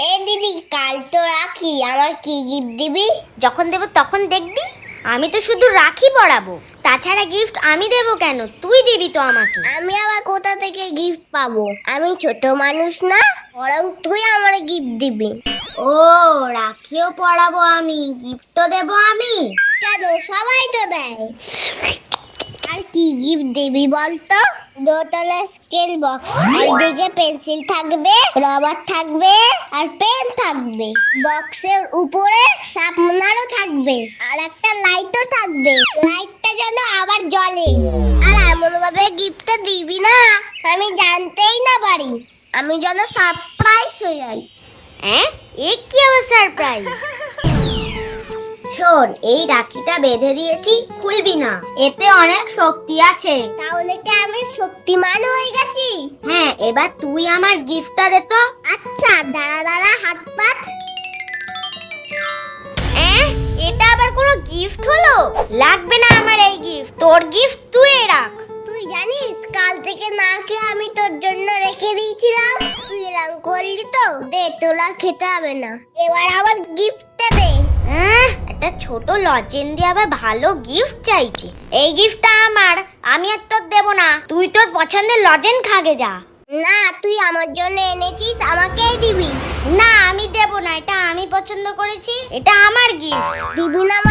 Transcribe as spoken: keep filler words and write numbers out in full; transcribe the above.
এ দিদি, কাল তো রাখি, আমার কি গিফট দিবি? যখন দেব তখন দেখবি। আমি তো শুধু রাখি পরাবো, তাছাড়া গিফট আমি দেব কেন? তুই দিবি তো আমাকে। আমি আবার কোথা থেকে গিফট পাবো? আমি ছোট মানুষ না, বরং তুই আমার গিফট দিবি। ও, রাখিও পরাবো আমি, গিফটও দেব আমি? কেন, সবাই তো দেয়। আর কি গিফট দিবি বলতো? দোতলা স্কেল বক্স, একদিকে পেন্সিল থাকবে, রবার থাকবে, আর পেন থাকবে। বক্সের উপরে শার্পনারও থাকবে, আর একটা লাইটও থাকবে। লাইটটা যেন আবার জ্বলে। আর এমন ভাবে গিফটটা দিবি না আমি জানতেই না পারি, আমি যেন সারপ্রাইজ হয়ে যাই। হ্যাঁ, এ কি আবার সারপ্রাইজ? শোন, এই রাখিটা বেঁধে দিয়েছি, খুলবি না, এতে অনেক শক্তি আছে। তাহলে কি আমি শক্তিমান হয়ে গেছি? হ্যাঁ, এবার তুই আমার গিফটটা দে তো। আচ্ছা, দাঁড়া দাঁড়া, হাত পাত। এহ, এটা আবার কোনো গিফট হলো? লাগবে না আমার এই গিফট, তোর গিফট তুই রাখ। তুই জানিস কাল থেকে না খেয়ে আমি তোর জন্য রেখে দিয়েছিলাম, তুই এরকম করলি তো। দে, তোর আর খেতে হবে না, এবার আমার গিফটটা দে। হ্যাঁ, একটা ছোট লজেন দিয়ে আবার ভালো গিফট চাইছি। এই গিফটটা আমার, আমি আর তোর দেব না। তুই তোর পছন্দের লজেন খাগে যা। না, তুই আমার জন্য এনেছিস, আমাকেই দিবি। না, আমি দেব না, এটা আমি পছন্দ করেছি, এটা আমার গিফট। দিবি না